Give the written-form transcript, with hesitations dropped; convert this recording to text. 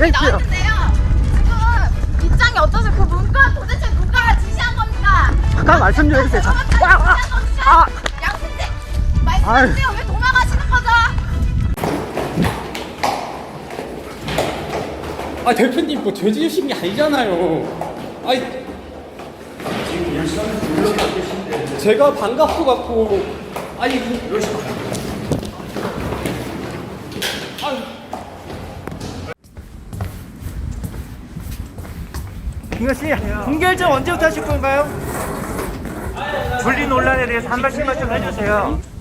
여기 할게요. 나왔는데요. 지금 입장이 어떠세요? 그 문과 도대체 누가 지시한 겁니까? 잠깐 말씀 좀 해주세요. 아! 양승재 말씀해주세요. 왜 도망가시는 거죠? 아 대표님 뭐 죄 지으신 게 아니잖아요. 아니 지금 열심히 놀러가 계신데 제가 반갑고 갖고 아니 열심히 김현 씨, 공결전 언제부터 하실 건가요? 분리 논란에 대해서 한 말씀만 좀 해주세요.